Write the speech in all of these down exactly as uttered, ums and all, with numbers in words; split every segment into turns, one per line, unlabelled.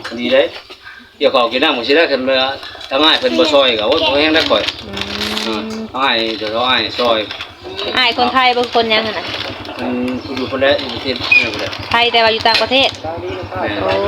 ดีเด้เกี่ยวกับกินน้ำมันสิได้คันว่าถ้าง่ายเพิ่นบ่ซอยก็โอ้ยบ่แห้งได้ก่อยอือง่ายเดี๋ยวง่ายซอย
อ้ายคนไทยบ่คนยังหั่นน่ะ
มันอยู่คนละประเทศนี่บ่ได้
ไทยแต่ว่าอยู่ต่างประเทศโอ้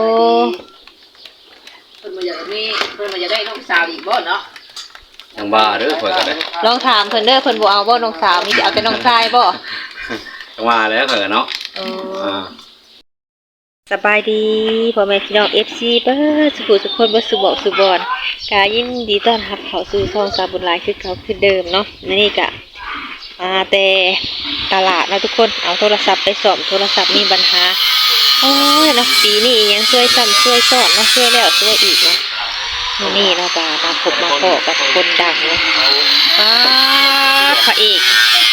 เพิ่นบ่อยากมีเพิ่นบ่อยากได้น้องสาวอีกบ่เนาะ
จังบ้าเด้อข่อยก็ได้
ลองถามเพิ่นเด้อเพิ่นบ่เอาบ่น้องสาวมีแต่เอาแต่น้องชายบ่
จังว่าแล้วข่อยก็เนาะ
โอ้สบายดีพ่อแม่พี่น้อง เอฟ ซี เบิดสุขทุกคนบ่สุบอกสุบอนกายินดีต้อนรับเข้าสู่ช่องสาวบุญหลายคือเก่าคือเดิมเนาะนี่ก็มาแต่ตลาดนะทุกคนเอาโทรศัพท์ไปซ่อมโทรศัพท์มีปัญหาโอ้ยเนาะปีนี้ยังช่วยซ้ำช่วยซ้อนเนาะช่วยแล้วช่วยอีกเนาะมื้อนี้เนาะก็มาพบมาพบกับคนดังเนาะป้าพระเอก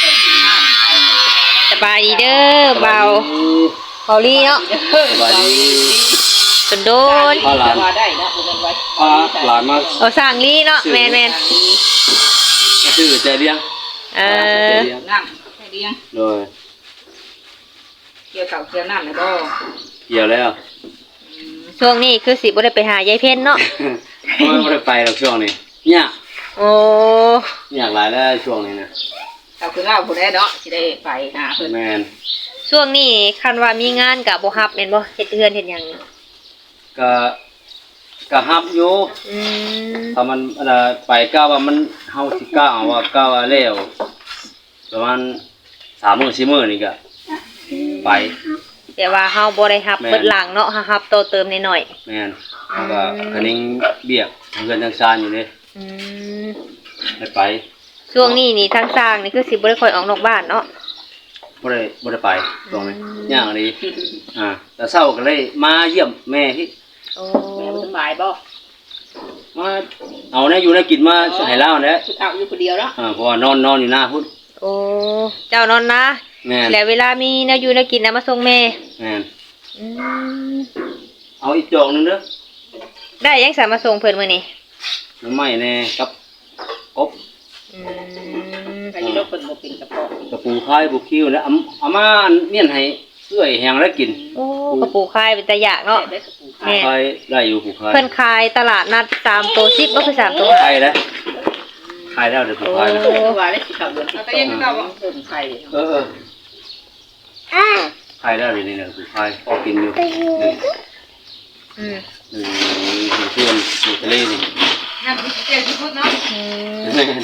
สบายดีเด้อเบาเบาลีเนาะ
สบายดี
จนโดน
พาหลาน
ว่าได้เนาะเพิ่นไว้
พาหลานมา
เอาสร้างลีเนาะแม่น
ๆชื่อใจเลี้ยง
เออ
น้ำให้เลี้ยง
โดย
เกี่ยวกับเกี่ยวน้ำได้บ่
เกี่ยวแล้ว
ช่วงนี้คือสิบ่ได้ไปหายายเพ็ญเนาะ
บ่ได้ไปหรอกช่วงนี้ยาก
โอ้
ยากหลายแล้วช่วงนี้นะ
เอาคือเล่าผู้ใดเนาะสิได้ไปหาเพิ่น
แม่น
ช่วงนี้คันว่ามีงานก็บ่รับแม่นบ่เฮ็ดเฮือนเฮ็ดหยัง
ก็ก็รับอยู่
อืม
ถ้ามันอันน่ะไปก้าวว่ามันเฮาสิก้าวเอาว่าก้าวว่าแล้วประมาณสามมื้อสี่มื้อนี่ก็ไป
แต่ว่าเฮาบ่ได้รับเบิดหลังเนาะเฮารับโตเติมนิดหน่อย
แม่นแล้วก็คันนิงเบียกเงินทางซานอยู่เด้
อืม
ได้ไป
ช่วงนี้นี่ทางสร้างนี่คือสิบ่ได้ค่อยออกนอกบ้านเนาะ
บ่ได้บ่ได้ไปช่วงนี้ยากดีอ่าแต่เช้าก็เลยมาเยี่ยมแม่ที่
โอ้
แม่บ่สบายบ่
มาเอาแน่อยู่แน่กินมาให้ลาวแหละ
เอาอยู่คนเดียวเนาะ
อ่าเพราะว่านอนนอนอยู่หน้าพุ่น
โอ้เจ้านอนนะ
แม่น
แล้วเวลามีแนวอยู่แนวกินน่ะมาส่งแม่
แม่น
อืม
เอาอีกจอกนึงเด้อ
ได้ยังสามารถส่งเพิ่นมื้อนี้
น้ำไม้แน่กับกบ
อืม
ก็อยู่ดอกเพิ่นบ่เป็นกระเพาะ
กระปูคายบุคิวแล้วเอามาเมี่ยนให้เอื้อยแห้งแล้วกิน
โอ้กระปูคายเป็นตาอยากเนาะ
แม่คายได้อยู่ปูคาย
เพิ่นขายตลาดนัดสามตัวสิบบ่คือสามตัว
ขายแล้วขายแล้วเด้อปูคายแล้ว
ว่าได้สิเข้าเดือนที่สองเนาะเพิ่นไข่
เออๆอ่าขายแล้วนี่ๆปูคายพอกินอยู่
อืม
อืมเพื่อนอยู่ทะเลนี่
น้ำสิเจ็ดสิพุดเนาะ
อืม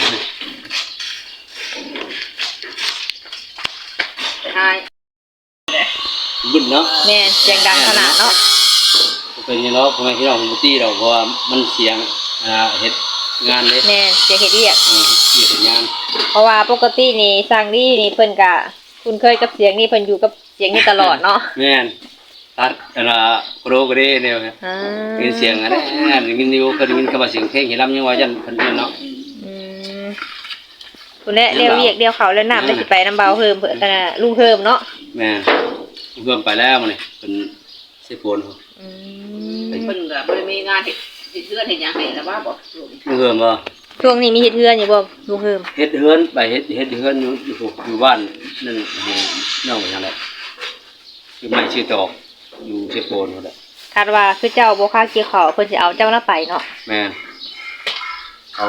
ใช่
บึ้นเนาะ
แม่เสียงดังขนาดเนาะ
เป็นยังเนาะพ่อแม่พี่น้องบ่ตี้ดอกเพราะว่ามันเสียงอ่าเฮ็ดงานเด้
แม่เสียงเฮ็ดเวียก
เออเฮ็ดงาน
เพราะว่าปกตินี่สร้างนี่นี่เพิ่นก็คุ้นเคยกับเสียงนี่เพิ่นอยู่กับเสียงนี่ตลอดเนาะ
แม่นตัดอันน่ะโปรก็ได้แนวนี้
อ่า
เป็นเสียงอันนั้นได้ยินอยู่เคยได้ยินคำว่าเสียงเพลงเฮ็ดลำยังว่าจันเพิ่นเนาะ
อืมพุ่นแหละเรียวเวียกเดียวเขาแล้วน้ำได้สิไปน้ำเบาเพิ่มเพิ่นน่ะลุงเพิ่มเนาะ
แม่เพิ่มไปแล้วมื้อนี้เพิ่นสิโพน
อื
มเพิ่นก็บ่ได้มีงานเฮ็ดเฮ็ดเฮือนเฮ็ดหยังให้แล้วว่าบ่
เพิ่มบ่
ช่วงนี้มีเฮ็ดเฮือนอยู่บ่ลุงเพิ่ม
เฮ็ดเฮือนไปเฮ็ดเฮ็ดเฮือนอยู่อยู่อยู่บ้านนั่นน้องว่าจังได๋คือไม่ชื่อตอกอยู่สิโพนนั่นแหละ
คาดว่าคือเจ้าบ่ค่าเกี่ยวข้าวเพิ่นสิเอาเจ้าละไปเนาะ
แม่นเอา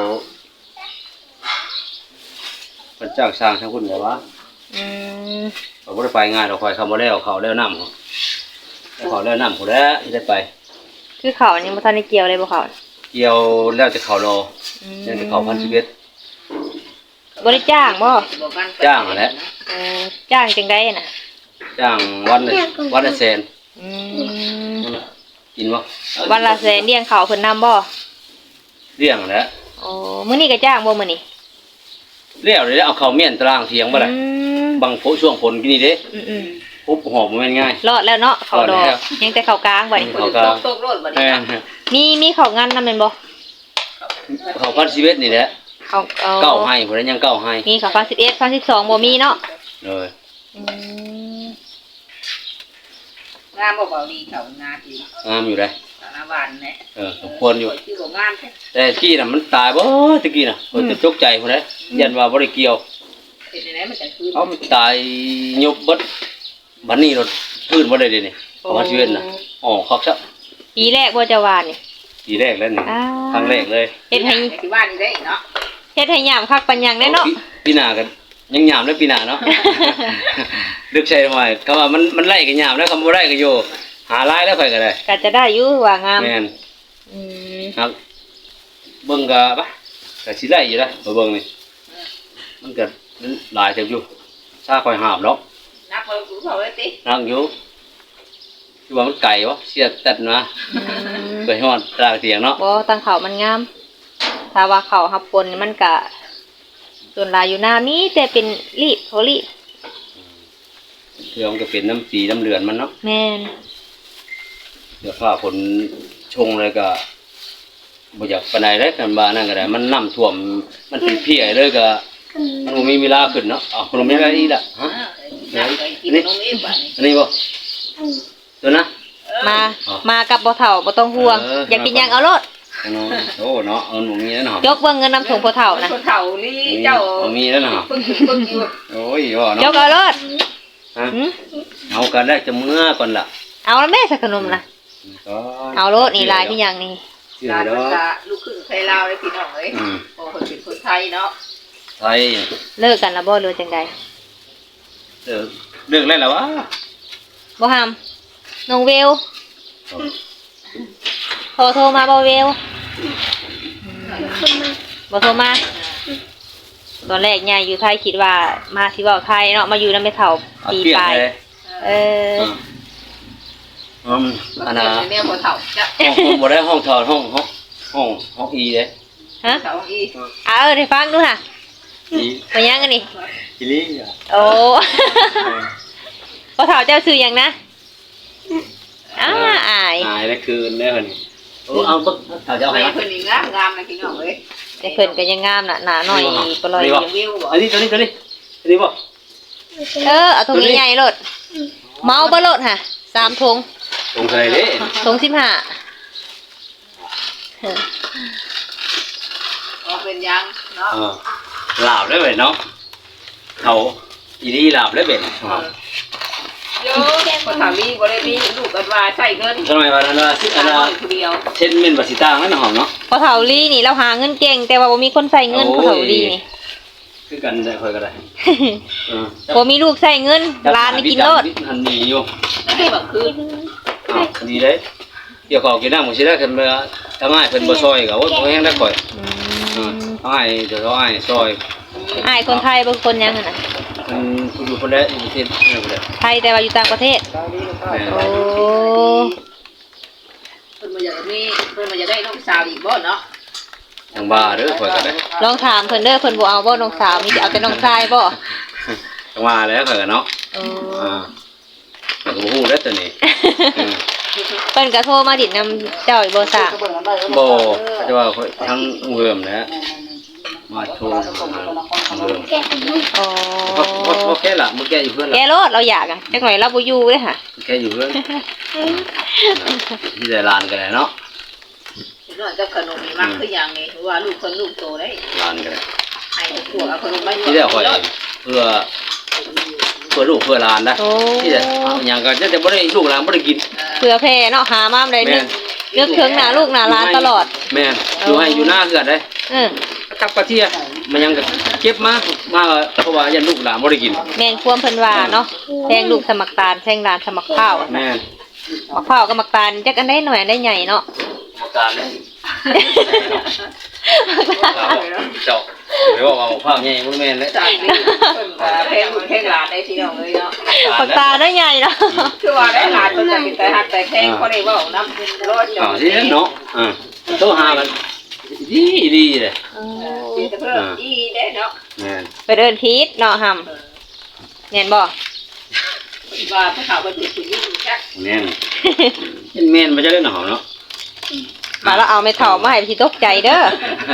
เพิ่นจ้างสร้างทั้งพุ่นแหละวะ
อืม
เขาบ่ได้ไปง่ายดอกข่อยเข้ามาแล้วเขาแล้วน้ำเขาเขาแล้วน้ำพุ่นแล้วสิได้ไป
คือเขานี่บ่ทันได้เกี่ยวเลยบ่เขา
เกี่ยวแล้วจะเขารอแล้วจะเขาพันสิบเอ็ด
บ่ได้จ้างบ่
จ้างแหละ
เออจ้างจังได๋น่ะ
จ้างวันละวันละแสน
อืม
กินบ่
วันละแสนเลี้ยงเขาเพิ่นนำบ่
เลี้ยงแหละ
โอ้มื้อนี้ก็จ้างบ่มื้อนี้
เลี้ยงเลยเอาเข้าเมียนตารางเถียงบ่ล่ะบางฝนช่วงฝนกินนี่เด้
อือ
ๆปุ๊บหอมบ่แม่นง่าย
รอดแล้วเนาะเขาดอกยังแต่เขากลางบัดนี้
เขากลาง
ตกรถบัดนี้
มีมีเขางานนำแม่นบ่
เขาพันสิบเอ็ดนี่แหละ
เขา
เก้าให้พุ่นยังเก้าให้
มีเขาพันสิบเอ็ด พันสิบสองบ่มีเนาะ
เออ
อืม
งามบ่เบาดีเขางามอยู่
งามอยู่เด้
สารวัตรแหละ
เออสมควรอยู่
คือบ่งามแท้
แต่กี้น่ะมันตายบ่ตะกี้น่ะเพิ่นจะตกใจพุ่นเด้ยันว่าบ่ได้เกี่ยว
เฮ็ดได้มันจะคืน
เอามันตายยุบเบิดบัดนี้รถพื้นบ่ได้เด้นี่ประมาณสิบเอ็ดน่ะอ๋อคักซะ
ปีแรกบ่จะหวานนี่
ปีแรกแล้วนี่
อ้า
ครั้งแรกเลย
เฮ็ดให้
ที่บ้านนี่ได้เนาะ
เฮ็ดให้ยามคักปัญญังแน่เนาะ
ปีปีหน้ากันยังหยามเลยปีหน้าเนาะ ดึกใช่หน่อยคำว่ามันมันไล่กันหยามแล้วคำบ่ได้ก็อยู่หาไล่แล้วค่อยก็ได้
ก็จะได้อยู่ว่างาม
แม่น
อืม
ครับเบิ่งก็ปะก็สิได้อยู่นะมาเบิ่งนี่มันก็หลายเต็มอยู่ซาค่อยหาบเนาะ
นักเบิ่งกูเขาเลยติ
นั่งอยู่คือว่ามันไก่วะเสียตัดมา
อืม
ไปฮอดตรางเตียงเนาะ
บ่ตังเขามันงาม ถ้าว่าเขาหับปนนี่มันก็ส่วนหลายอยู่หน้ามีแต่เป็นรีบเขารีบ
เดี๋ยวมันก็เป็นน้ำสีน้ำเลือนมันเนาะ
แม่น
เดี๋ยวฟ้าฝนชงเลยก็บ่อยากปานใดเลยกันบ้านั่นก็ได้มันน้ำท่วมมันเป็นเพี้ยเลยก็มันบ่มีเวลาขึ้นเนาะเอาขนมยังไงอีกล่ะฮะ
นักไปกินนมอีกบ้าน
อันนี้บ่ตัวนะ
มา
อ๋อ
มากับบ่เฒ่าบ่ต้องห่วง
เออ
อยากกินหยังเอาโลด
เอาเนาะโอ้เนาะเอาหนูมีแล้วเนาะ
ยกเบิ่งเงินนำถุงพ่อเฒ่านะ
คนเฒ่านี่เจ้า
เอามีแล้วเนาะ
เพิ่งเพิ่งอยู่
โอ้ยว่า
ย
เนาะ
กเอาโลด
ฮะ
หึ
เอากันได้จะเมื่อก่อนล่ะ
เอาแล้วแม่สักขนมนะ
ก็
เอาโลดนี่ลายที่หยังนี่
ชื่อ
หลาน
เนา
ภา
ะ
ษาลูกครึ่งไทยลาวเลยพี่น้องเอ้ย
อืม
โอ้คนเป็นคนไทยเนาะ
ไทย
เลิกกันแล้วบ่หรือจังใด
เลิกเลิกแล้วล่ะวะ
บ่ห้ามน้องเวลโทรโทรมาบ่เวลบ่โทรมาตอนแรกยายอยู่ไทยคิดว่ามาสิเว้าไทยเนาะมาอยู่นำแม่เฒ่า
เอา
ปี
เปลี่ยน
ปลาย
เลย
เออ
อืมอันน่ะ
เนี่ยคนเฒ่าจ้ะ
ห้องห้องบ่ได้ห้องถอดห้องห้องห้องห้องอีเด้
ฮะ
เฒ่าอี
เอาเออได้ฟังดูค่ะ
อี
ไปยังกันนี่
อีลี่อ่ะ
โอ้ พ่อเฒ่าเจ้าชื่อหยังนะอ้าอาย
หายได้คืนได้คนนี้โอ้เอาปึ๊กเอาจะเอาให้
แม่
วะ
เพิ่นนี่งามงามนะพี่น้องเอ้ย
แต่เพิ่นก็ยังงามน่ะหนาหน่อยปลอย
นี่บ่
ยังวิวบ่
อันนี้ตัวนี้ตัวนี้ตัวนี้บ่
เออเอาถุงใหญ่ๆโลดเมาบ่โลดค่ะสามถุง
ตรงใส่เด้
ถุงสิบห้า
ก็เป็นยังเนาะ
เออลาบได้เว้ยเนาะเขาอีลี่ลาบได้เว้ย
โยคนเฒ่ามีบ่ได้มีลูกกันว่าใช้เงิน
ทำไมวันนั้นว่าสิอัน
น้
น่ะ
อยผู้เดียว
เช่นเม่นบัสิตางนั่นหอมเนาะ
พ่อเฒ่าลี่นี่เราหาเงินเก่ง แต่ว่าบ่มีคนใส่เงิน
โอ้ย
พ่อเฒ่าลี่นี่
คือกันได้ค่อยก็ได้เออ
บ่มีลูกใส่เงินร้านนี่กินโลด
อันนี้อยู่
ได้แบบคือ
อ้าวดีเลยเดี๋ยวขอกินน้ำหมูสิได้ขึ้นมาทำง่ายเพิ่นบ่ซอยก็โอ้ยบ่แห้งได้ข่อย
อื
อ่าม ทำง่ายเดี๋ยวเขาอ้ายซอย
อายคนไทยบ่คนหยังหั่นน่ะ
เพิ่นผู้อยู่คนใดอยู่ประเทศนั่นพุ่นแหละ
ไทยแต่ว่าอยู่ต่างประเทศ
แม่น
โอ้
เพิ่นบ่อยากมีเพิ่นบ่อยากได้ลูกสาวอีกบ่เนาะ
ทางบ้าเด้อข่อยก็ได้
ลองถามเพิ่นเด้อเพิ่นบ่เอาบ่น้องสาวมีแต่เอาแต่น้องชายบ่
ทางว่าแล้วข่อยก็เนาะ
โอ้
อ่าข่อยก็บ่ฮู้เด้อตัวนี้เออ
เพิ่นก็โทรมาดิดนำเจ้าอีกบ่ซะ
บ่จะว่าข่อยทั้งเวิร์มแหละมาโชว์ทางเวิร์ม
อ๋อ
พอพอพอแค่ละมื้อแกอยู่เพื่อน
แก
ละ
โลดเราอยากอ่ะจักหน่อยเราบ่อยู่เด้อค่ะ
แกอยู่เพื่อนที่ได้ลานกันแหละเนาะ
เนาะจะขนมนี่มักคือหยังนี่ว่าลูกคนลูกโตได้
ลานกันแหละ
ให้พวกเอาขนมมาอยู่
ที่ได้ข่อยเพื่อเพื่อลูกเพื่อหลานนะ
โอ้
ที่ได้เอาหยังก็จะแต่บ่ได้ลูกหลานบ่ได้กิน
เผื่อแผ่เนาะหามาได้นึกนึกถึงหน้าลูกหน้าหลานตลอด
แม่นอยู่ให้อยู่หน้าเฮือนได้
เออ
กับกระเทียมันยังก็เก็บมามาเพราะว่ายันลูกหลานบ่ได้กิน
แม่นความเพิ่นว่าเนาะแทงลูกสมักตาลแทงหลานสมักข้าวอะ
แม่น
มักข้าวกับมักตาลจักอันได้หน่อยอันได้ใหญ่เนาะ
อาการเลยเจ้าไปบอกว่าข้าวใหญ่บ่แม่นเลย
จากนี้เพิ่นว่าเพลงลูกเพลงหลานได้พี่น้องเอ้ยเนาะ
มักตาลได้ใหญ่เนาะ
คือว่าได้หลานเพิ่นจะเป็นแต่ฮักแต่เพลงบ่ได้เว้านำรอดจ
อ้าวสิเนาะอ่าโทรหากันดีดีเลย
สิแต่เพิ่นอีได้เนาะ
แม่น
ไปเดินพีชเนาะหำแม่นบ่
ว่าพระเขาเป็นผู้หญิงจัก
แม่นเป็นแม่นบ่จะได้หนอเนาะ
มาแล้วเอาไม่เฒ่ามาให้พี่ตกใจเด้อ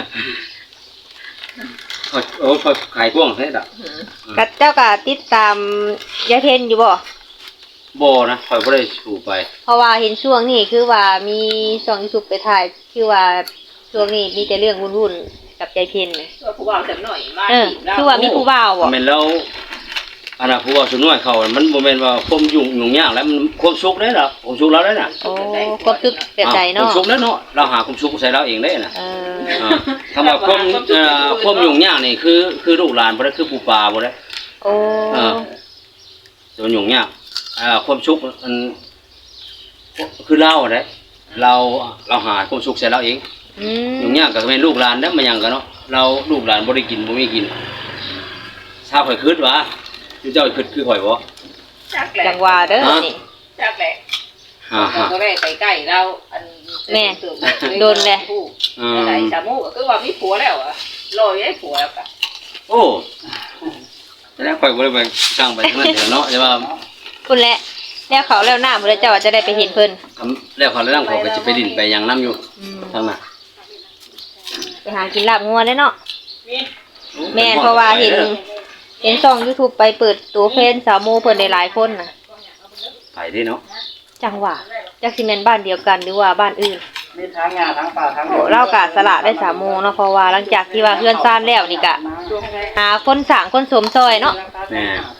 โอ้ยโอ้ยพอขายกว้างแท้ดอก
กับเจ้าก็ติดตามยายเพ็ญอยู่บ่
บ่นะข่อยบ่ได้สู่ไป
เพราะว่าเห็นช่วงนี้คือว่ามีช่อง YouTube ไปถ่ายคือว่าช่วงนี้มีแต่เรื่องวุ่นๆกับยายเพ็ญน่ะ
ตัวผู้บ่าวจักหน่อยมา
เออ
จีบเรา
คือว่ามีผู้บ่าวบ่
แม่นแล้วอันน่ะผู้ว่าสุน้อยเขามันบ่แม่นว่าความยุ่งยุ่งยากแล้วมันความสุขได้ล่ะความสุขเราได้น่ะ
โอ้ความสุขแบบใด
ควา
เนาะ
มสุขแล้วเนาะเราหาความสุขใส่เราเองได้น่ะ
เออ
อ่าคำว่าความเอ่อความยุ่งยากนี่คือคือลูกหลานบ่ได้คือปู่ปาบ่ได้
โอ้
อ่าส่วนยุ่งยากอ่าความสุขมันคือเราได้เราเราหาความสุขใส่เราเอง
อืม
ยุ่งยากก็แม่นลูกหลานนำมาหยังกันเนาะเราลูกหลานบ่ได้กินบ่มีกินถ้าข่อยคิดว่าเจ้าคิดคือข่อยบ่
จักแหละ
จังหวะเด้อนี่
จักแหละ
ฮ่า
เราก็ได้ไปใกล้เราอัน
แม่โดนเลย
อืม
ได้สามูก็คือว่ามีผัวแล้วอะรออยู่ให้ผัวแล้วก็
โอ้แล้วข่อยบ่ได้ไปสร้างไปทางนั้นเดี๋ยวเนาะแต่ว่า
คุณแหละแล้วเขาแล้วหน้ามื้อแล้วเจ้าจะได้ไปเห็นเพิ่น
คำแล้วเขาแล้วนำเขาก็สิไปดินไปหยังนํอยู่
อืม
ทางน่ะ
ไปหากินลาบงัวได้เนาะแม่นเพราะว่าเห็นเห็นช่อง YouTube ไปเปิดตัวเฟซสาวโมเพิ่นได้หลายคนน่ะ
ไปเด้เนาะ
จังหวะจักสิแม่นบ้านเดียวกันหรือว่าบ้านอื่น
มีทั้งงาทั้งป่าทั้ง
โอ้เรากะสละได้สามโมงเนาะเพราะว่าหลังจากที่ว่าเฮือนซ่านแล้วนี่กะหาคนสร้างคนสมซอยเนาะ
แม่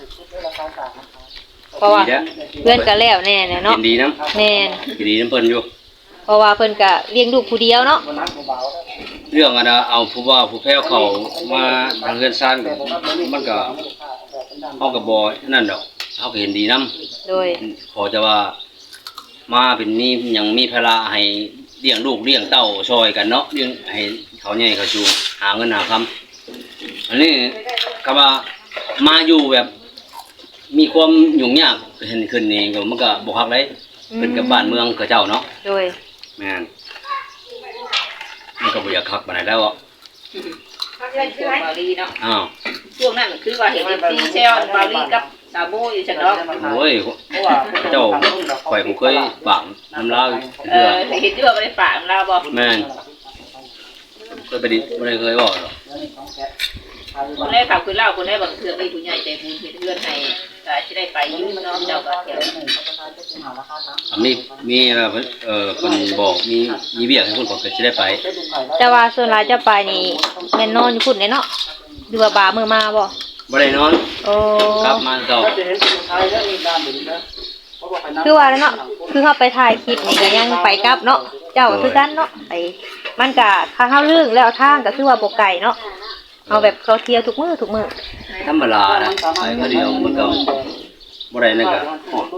เพราะว่า
ดีเด้อ
เพื่อนก็แล้วแน่ๆเนาะ
ยินดีนํ
แม่น
ยินดีนํเพิ่นอยู่
เพราะว่าเพิ่นก็เลี้ยงลูกผู้เดียวเนาะ
เรื่องอันน่ะเอาผู้ว่าผู้แพ้วเขามาทางเฮือนซ่านก็มันก็เฮาก็บ่นั่นดอกเฮาก็เห็นดีนํ
โดย
ขอจะว่ามาเป็นนี่ยังมีภาระให้เลี้ยงลูกเลี้ยงเต้าช่วยกันเนาะเลี้ยงให้เขาใหญ่เขาชูหาเงินหาคำอันนี้ก็ว่ามาอยู่แบบ มีความยุ่งยากเห็นขึ้นนี่ก็มันก็บ่ฮักเลยเป็นกับบ้านเมืองเขาเจ้าเนาะ
โดย
แม่นมันก็บ่อยากคักปานใดแล้วอ่ะ
ช่วงบาลีเนาะ
อ้าว
ช่วงนั้นคือว่าเห็นซีเซลบาลีกับสามูอยู่จังเนาะ
โอ้ยเจ้าข่อยบ่เคยปากน้ำลาว
เอ
เทื่อ
อเห็นด้วยว่าบ่ได้ฝากเราบ่
แม่นเคยไปดิบ่ได้เคยเว้าหรอก
คนได้ข่าวคือเล่าคนได้บางเทื่อมีผู้ใหญ่ใจบุญเฮ็ดเฮือนให้ก็สิได้ไปอยู่เนาะเจ้าก็เที่ยว
อ่ะมีมีอะไรเพิ่นเอ่อเพิ่นบอกมีมีเวียกให้เพิ่นก็สิได้ไป
แต่ว่าส่วนหลายเจ้าไปนี่แม่นนอนอยู่พุ่นเด้เนาะหรือว่าบามื้อมาบ่
บ่ได้นอน
โอ้
กลับมาเช้า
จะเห็นสุดท้ายแล้วมีการหมุนนะ
คือว่าแล้วเนาะคือเฮาไปถ่ายคลิปนี่ก็ยังไปกลับเนาะเจ้าก็คือกันเนาะไปมันก็ถ้าเฮาเรื่องแล้วทางก็คือว่าบ่ไกลเนาะเอาแบบเขาเที่ยวทุกมื้อทุกมื้อ
ธรรมดานะไปก็เดียวมันก็บ่ได้นั่นก็ฮอด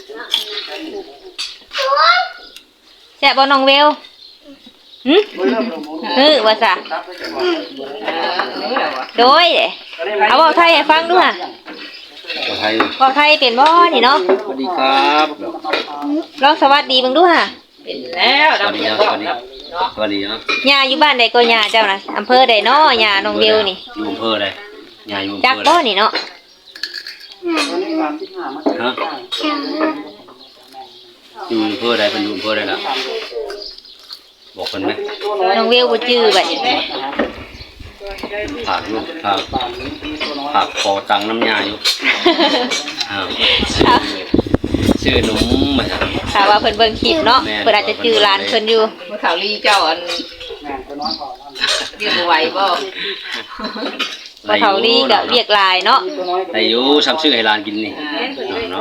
แซ่บบ่น้องเวลหึเออว่าซะโดยเด้เอาเว้าไทยให้ฟังดูห่ะ
ก็ไทย
เว้าไทยเป็นบ่นี่เนาะ
สวัสดีครับ
ลองสวัสดีเบิ่งดูห่ะ
เป็นแล้ว
สวัสดีครับสวัสดีสวัสดีครับ
ย่าอยู่บ้านใดก็ย่าเจ้าน่ะอำเภอใดเนาะย่าน้องเวลนี่
อยู่อำเภอใดยายอยู่อำ
จัก
เภอ
บ่
ใด
นี่เนาะ
ฮะอยู่อำเภอใดเพิ่นอยู่อำเภอใดล่ะบอกเพิ่นไหม
น้องเวลบ่จื้อบัดนี้
ฝากลูกฝากฝากขอตังค์น้ำยาอยู่อ้าวชื่อหนุ่มมาครับ
ถ้าว่าเพิ่นเบิ่งคลิปเนาะเพิ่นอาจจะจื้อหลานเพิ่นอยู่
เมื่อข่าวลีเจ้าอันเรียกบ่ไหวบ่
บ่เฒ่าลีก็เรียกหลายเนาะ
ได้อยู่ซ้ำชื่อให้หลานกินนี่เนาะ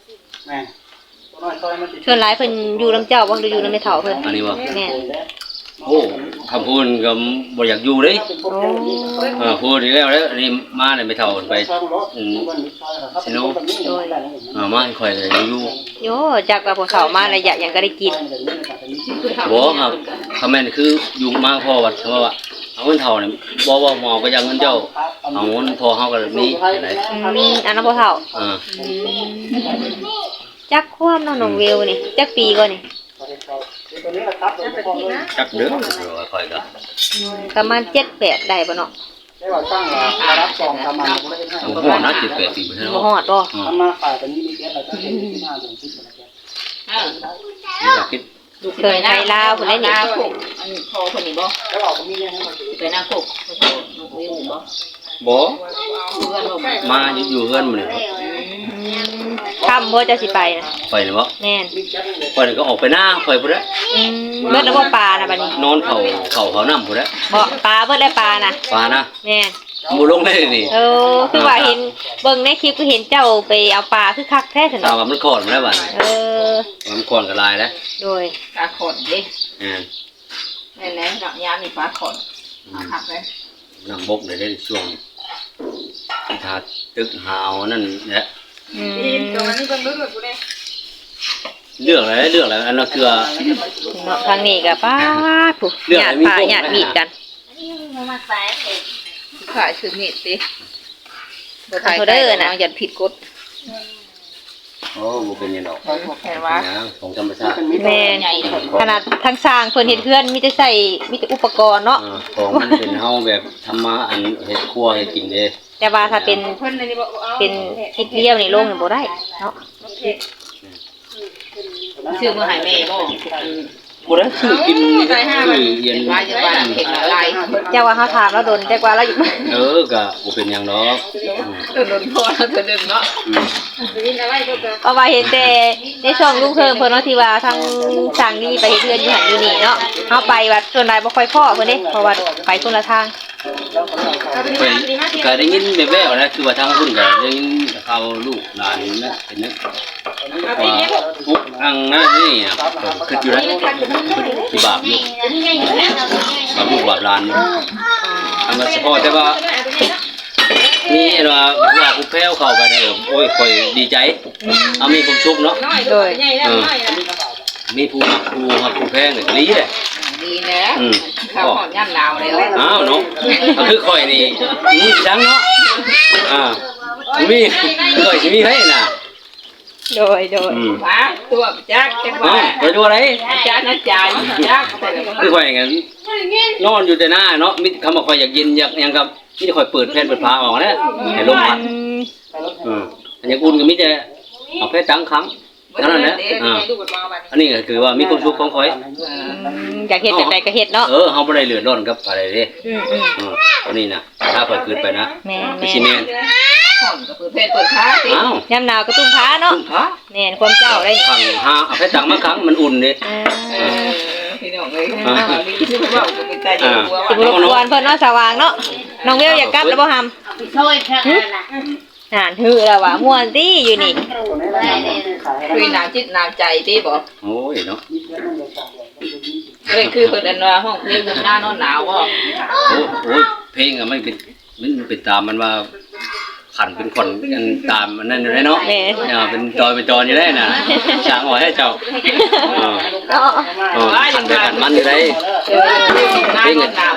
ส่วนหลายเพิ่นอยู่นํเจ้าบ่หรืออยู่นำแม่เฒ่าเพิ่น
อันนี้บ่
แม่น
โอ้คำพูดก็บ่อยากอยู่เด้
โอ้
เออพูดอีกแล้วเด้ออันนี้มาเนี่ยไปเท่าไปอืมสิโน
โดย
เออมาให้ข่อยเลยอยู่
โยจักว่าพวกเขามาระยะหยังก็ได้กิน
บ่ครับคำแม่นคืออยู่มาพอวัดเพราะว่าเอาเงินเท่าเนี่ยบ่ว่าหมอก็ยังเงินเจ้าเอาเงินพอเฮาก็มีไหน
อืมอันนั้นบ่เฒ่า
เออ
อืมจักความเนาะน้องเวลนี่จักปีก่อนนี่
จักเด้อข่อยก็
ประมาณเจ็ดแปดได้บ่เนาะ
ได้ว่าตั้งรับซองทำมาไม่ได้ให้
บ่ฮอดนะเจ็ดแปดปีบ่ใช่
บ่
เนาะ
ฮอดบ่
อืม
ทำมาฝ่ายตอนนี้มีแค่เราจะเป็นที่ห้าเดือนที่เป็นแค่
อ้าว
อยากคิด
เคยไปลาวพุ่นได้นี่
นาโคกอันพอคนนี้บ่
แล้วเราก็มีเงี้ยให้มาถือ
ไปนาโคกเขาโทรน้องวิวบ่
บ่
เพื่อนบ่มา
มาอยู่อยู่เฮือนมื้อนี้
อืมค่ำบ่จะสิไปน่ะ
ไปนี่บ่
แม่น
ข่อยนี่ก็ออกไปหน้าข่อยพุ่นแหละ
อืมเบิดแล้วบ่ปลาน่ะบัดนี้
นอนเฝ้าเฝ้าเขาน้ำพุ่นแหละ
บ่ปลาเบิดแล้วปลาน่ะ
ปลานะ
แม่น
บ่ลงได้นี่
เออคือว่าเห็นเบิ่งในคลิปก็เห็นเจ้าไปเอาปลาคือคักแท้ซั่น
ถาม
เนาะ
ว่ามันขอดมาแล้วบัด
เออ
มันขอดก็ลายแล้ว
โดย
ปลาขอนดิ
อ่า
นั่นแหละดอกยามนี่ปลาขอนเอาหักเลย
น้ำบกได้ได้ช่วงถ้าตึกหาวนั่นแหละ
อืม
ตรงนี้เบิ่งดูดูเลย
เลือกอะไรเลือกอะไรอันนั้นคือ
เนาะทางนี้ก็ป้าดผู้
เรื่อง
ห
อะ
ยา
ไร
ด
มี
ปลา
พวก
หยาดมีดกัน
ขายคือมีดสิบ่
ขายเด้อน่ะ
อย่าผิดกฎ
โอ้บ่เป็นหยังดอก
บ่แค่ว่า
นะของธรรมชาติ
แม่น
ใหญ่
ขนาดทางสร้างเพิ่นเฮ็ดเฮือนมีแต่ใส่มีแต่อุปกรณ์เนาะ
อ่าของมันเป็นเฮาแบบธรรมะอันเฮ็ดครัวเฮ็ดกินเด้
แต่ว่าถ้าเป็น
เพิ่นนี่บ่เอา
เป็นทิศเดียวนี่ลงนี่บ่ได้เนาะ
ชื่อมื้อให้แม่บ่
บ่ได้ซื้อกินนี่ก็คือเย็น
ว่าจะว่าเห็นอะไร
เจ้าว่าเฮาถามแล้วโดนแต่กว่าเราอยู่
เออก็บ่เป็นหยังดอกอืม
ตัวโดนพ่อตัวนึงเนาะ
อืม
เพราะว่าเห็นแต่ในช่องลุงเพิ่งเพิ่นเนาะที่ว่าทางสร้างนี่ไปเฮ็ดเฮือนอยู่หั่นอยู่นี่เนาะเฮาไปวัดส่วนใหญ่บ่ค่อยพ้อเพิ่นเด้เพราะว่าไปคนละทาง
ไปก็ได้ยินแว่วๆนะคือว่าทางพุ่นก็ได้ยินเขาลูกหลานนะเป็นนึกว่าปุ๊กอังนะนี่นะคิดอยู่แล้วที่บาปอยู่บาปลูกบาปหลานอยู่ทำมาเฉพาะแต่ว่านี่ว่าว่าผู้แพ้วเข้าไปได้โอ้ยค่อยดีใจเอามีความสุขเนาะ
โดย
เออมีผู้มักผู้มักผู้แพ้เนี่ยก็ดีเลย
ดีนะ
อืม
ข้าวหอมย่ำลาวเลย
อ้าวเนาะก็คือข่อยนี่มีจังเนาะอ่ามีข่อยสิมีให้น่ะ
โดยโดย
อืม
ว้าตัวจักจัง
อ๋อ
ว่า
ไปดูอะไร
จานนะจานจักแต่ละ
คือข่อยงั้นนอนอยู่แต่หน้าเนาะมีคำว่าข่อยอยากเย็นอยากหยังกับมีแต่ข่อยเปิดแผ่นเปิดพาออกนะให้ลมพัด
อืม
อืมอันอย่างอุ่นก็มีแต่เอาแค่ตั้งครั้งเท่านั้นแหละอ่าอันนี้ก็คือว่ามีความสุขของข่อย
อยากเฮ็ดแบบใดก็เฮ็ดเนาะ
เออเฮาบ่ได้เลือดร้อนกับอะไรเด้
อืมอืม
อืมตัวนี้น่ะถ้าข่อยคืนไปนะ
แม่น
ไม่
แม่
ใช่
น
แม่น
หอมก็คือเพศเปิดค้าสิ
อ้าวย
ามหนาวก็ตุ้มผ้าเนาะ
ตุ้มพระ
แม่นความเจ้าได้นี่
ขังหาเอาแค่ตั้งมาครั้งมันอุ่นเด้
อ่า
เออพี่น้องเลยนี่คือว่าก็เป็นใจเย็นว่า
สิบ่รบกวนเพิ่นเนาะสว่างเนาะน้องเวลอยากกลับแล้วบ่หำช่วยแค่นั่นฮือแล้วว่าม่วนติอยู่นี่
ตัวนี้แหละขายให้
คุยหนาวจิตหนาวใจที่บอก
โอ้ยเนาะ
มีเพื่อนนั่งอยากสั่งเลยมันจะมี
เลยคือเพิ่นอันว่าห้องเพลงหน้านอนหนาวบ่
โอ้โอ้ยเพลงอะไม่เป็นมันเป็นตามมันว่าขันเป็นคนกันตามมันนั่นอยู่ได้เนาะ
แม่
เออเป็นจอยเป็นจอยอยู่ได้น่ะช้างหอยให้เจ้าเออ
เนาะ
เออขันไปขันมันอยู่ได้
เออหน้านอนหนาว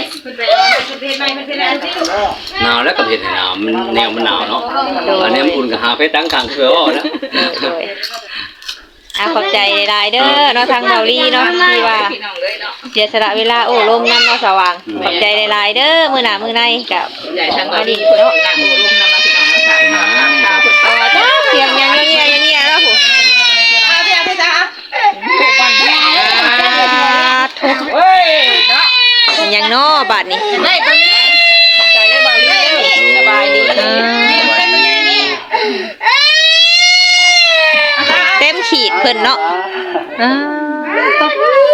หนาวแล้วก็เห็นหนาวมันแนวมันหนาวเนาะอันนี้มันอุ่นกับหาเพชรตั้งกลางคือว่านะ
โดยอ่ะขอบใจหลายๆเด้อเนาะทางเมาลี่เนาะที่ว่า
พี่น้องเลยเนาะ
เสียสละเวลาโอ้ลมน้ำเนาะสว่างขอบใจหลายๆเด้อมื้อหน้ามื้อในกับ
ใหญ่ทางเราดีเพิ่นนั่งโอ้ร่มนำมาพี่น้องมาถ่ายข้าวเพิ่น
ต่อจ้าเสียงยังเงี้ยยังเงี้ยแล้วผู้
เอาเดี๋ยวไปจ้า
ทุก
เฮ้ยเนาะ
ยังเนาะบาดนี้
ได้ตรงนี้ขอบใจได้บ่าวเด้อสบายดี
เต็มขีดเพิ่นเนาะอ่า